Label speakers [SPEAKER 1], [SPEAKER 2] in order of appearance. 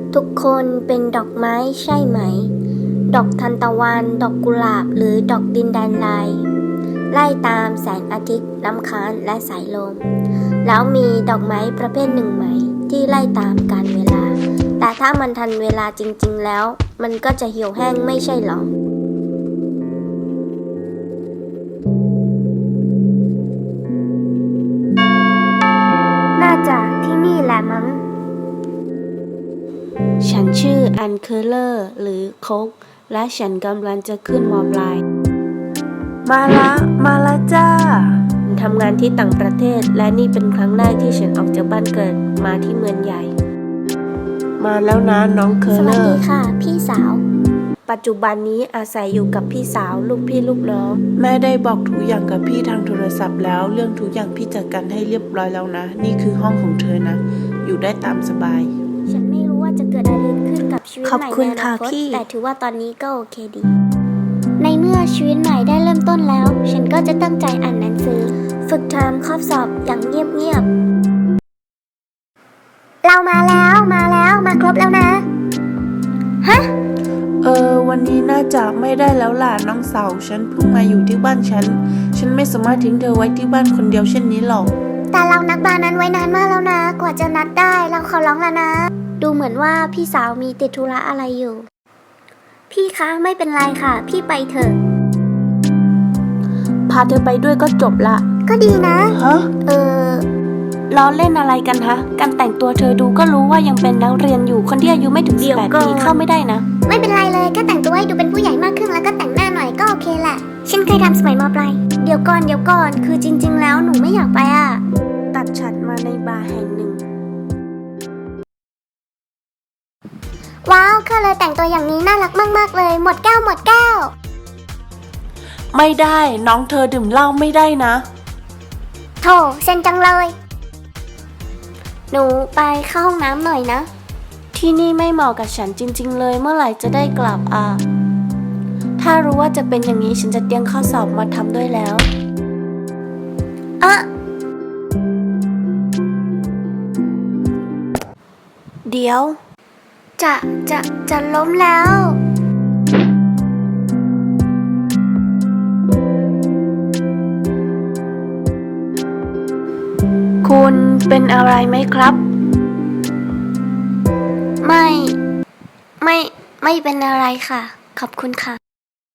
[SPEAKER 1] ทุกคนเป็นดอกไม้ใช่ไหม ดอกทานตะวัน ดอกกุหลาบ หรือดอกดินแดนไลไล่ตามแสงอาทิตย์น้ำค้างและสายลม แล้วมีดอกไม้ประเภทหนึ่งไหมที่ไล่ตามกาลเวลา แต่ถ้ามันทันเวลาจริงๆแล้วมันก็จะเหี่ยวแห้งไม่ใช่หรอ น่าจะที่นี่แหละมั้ง
[SPEAKER 2] ฉันชื่ออันเคอร์เลอร์หรือโคกและฉันกำลังจะขึ้นม.ปลาย
[SPEAKER 3] มาละจ้า
[SPEAKER 2] ทำงานที่ต่างประเทศและนี่เป็นครั้งแรกที่ฉันออกจากบ้านเกิดมาที่เมืองใหญ่
[SPEAKER 3] มาแล้วนะน้องเคอ
[SPEAKER 1] ส
[SPEAKER 3] ร์เล
[SPEAKER 1] วัส
[SPEAKER 3] อ
[SPEAKER 1] ดี
[SPEAKER 3] ร์
[SPEAKER 1] ค่ะพี่สาว
[SPEAKER 2] ปัจจุบันนี้อาศัยอยู่กับพี่สาวลูกพี่ลูกน้อง
[SPEAKER 3] แม่ได้บอกทุกอย่างกับพี่ทางโทรศัพท์แล้วเรื่องทุกอย่างพี่จัดการให้เรียบร้อยแล้วนะนี่คือห้องของเธอนะอยู่ได้ตามสบาย
[SPEAKER 1] ฉันไม่รู้ว่าจะเกิดอะไรขึ้นกับชีวิต
[SPEAKER 2] ขอบ
[SPEAKER 1] ใหม่
[SPEAKER 2] คุณ
[SPEAKER 1] ในอนา
[SPEAKER 2] ค่ะ
[SPEAKER 1] คต
[SPEAKER 2] พี่
[SPEAKER 1] แต่ถือว่าตอนนี้ก็โอเคดี ในเมื่อชีวิตใหม่ได้เริ่มต้นแล้ว ฉันก็จะตั้งใจอ่านหนังสือ ฝึกทำข้อสอบอย่างเงียบๆเรามามาครบแล้วนะ ฮะ
[SPEAKER 3] วันนี้น่าจะไม่ได้แล้วล่ะน้องสาวฉันเพิ่งมาอยู่ที่บ้านฉันไม่สามารถทิ้งเธอไว้ที่บ้านคนเดียวเช่นนี้หรอก
[SPEAKER 1] แต่เรานัดบาร์นั้นไว้นานมากแล้วนะ กว่าจะนัดได้เราขอร้องแล้วนะ ดูเหมือนว่าพี่สาวมีติดธุระอะไรอยู่ พี่คะไม่เป็นไรค่ะ พี่ไปเถอะ
[SPEAKER 2] พาเธอไปด้วยก็จบละ
[SPEAKER 1] ก็ดีนะ
[SPEAKER 3] ฮะ
[SPEAKER 2] ล้อเล่นอะไรกันฮะการแต่งตัวเธอดูก็รู้ว่ายังเป็นนักเรียนอยู่คนที่อายุไม่ถึง
[SPEAKER 1] เดี๋ยว
[SPEAKER 2] 18
[SPEAKER 1] ก่อน
[SPEAKER 2] ปีเข้าไม่ได้นะ
[SPEAKER 1] ไม่เป็นไรเลยก็แต่งตัวให้ดูเป็นผู้ใหญ่มากขึ้นแล้วก็แต่งหน้าหน่อยก็โอเคแหละ ฉันเคยทำสมัยม.ปลายเดี๋ยวก่อนคือจริงๆแล้วหนูไม่อยากไปอ่ะ
[SPEAKER 2] ตัดฉัดมาในบาร์แห่งหนึ่ง
[SPEAKER 1] ว้าวก็เลยแต่งตัวอย่างนี้น่ารักมากๆเลยหมดแก้ว
[SPEAKER 3] ไม่ได้น้องเธอดื่มเหล้าไม่ได้นะ
[SPEAKER 1] โถเซ็นจังเลย หนูไปเข้าห้องน้ำหน่อยนะ
[SPEAKER 2] ที่นี่ไม่เหมาะกับฉันจริงๆเลยเมื่อไหร่จะได้กลับอ่ะถ้ารู้ว่าจะเป็นอย่างนี้ฉันจะเตรียมข้อสอบมาทำด้วยแล้ว เดี๋ยว
[SPEAKER 1] จะล้มแล้ว
[SPEAKER 2] คุณเป็นอะไรไหมครับ
[SPEAKER 1] ไม่เป็นอะไรค่ะ ขอบคุณค่ะ